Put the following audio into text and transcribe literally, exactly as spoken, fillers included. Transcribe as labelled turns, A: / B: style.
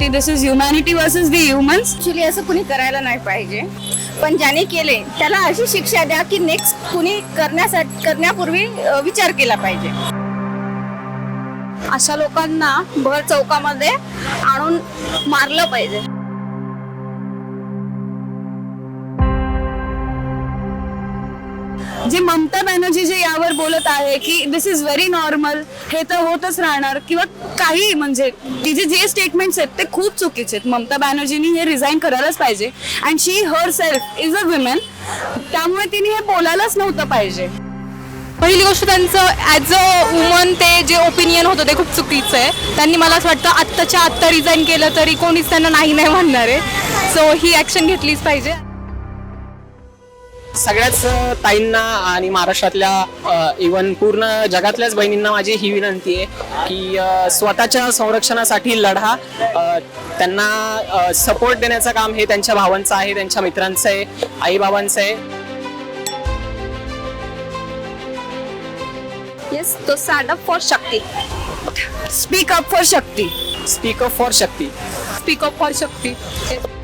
A: Actually this is humanity versus the humans.
B: Actually असं कुणी करायला नाही पाहिजे, पण ज्याने केले त्याला अशी शिक्षा द्या की नेक्स्ट कुणी करण्यासाठी करण्यापूर्वी अ, विचार केला पाहिजे.
A: अशा लोकांना भर चौकामध्ये आणून मारलं पाहिजे. जे ममता बॅनर्जी जे यावर बोलत आहे की दिस इज व्हेरी नॉर्मल, हे तर होतच राहणार किंवा काही, म्हणजे तिचे जे स्टेटमेंट्स आहेत ते खूप चुकीचे आहेत. ममता बॅनर्जीनी हे रिझाईन करायलाच पाहिजे. And she herself is a women, त्यामुळे तिने हे बोलायलाच नव्हतं पाहिजे.
C: पहिली गोष्ट त्यांचं ॲज अ वुमन ते जे ओपिनियन होतं ते खूप चुकीचं आहे. त्यांनी मला असं वाटतं आत्ताच्या आत्ता रिझाईन केलं तरी कोणीच त्यांना नाही नाही म्हणणार आहे. सो ही ॲक्शन घेतलीच पाहिजे.
D: सगळ्याच ताईंना आणि महाराष्ट्रातल्या इवन पूर्ण जगातल्याच बहिणींना माझी ही विनंती आहे की अ, स्वतःच्या संरक्षणासाठी लढा. अ, त्यांना सपोर्ट देण्याचं काम हे त्यांच्या भावांचं आहे, त्यांच्या मित्रांचं आहे, आईबाबांचं आहे.
C: Yes, to stand up for Shakti.
A: Speak up for Shakti.
D: Speak up for Shakti.
C: Speak up for Shakti.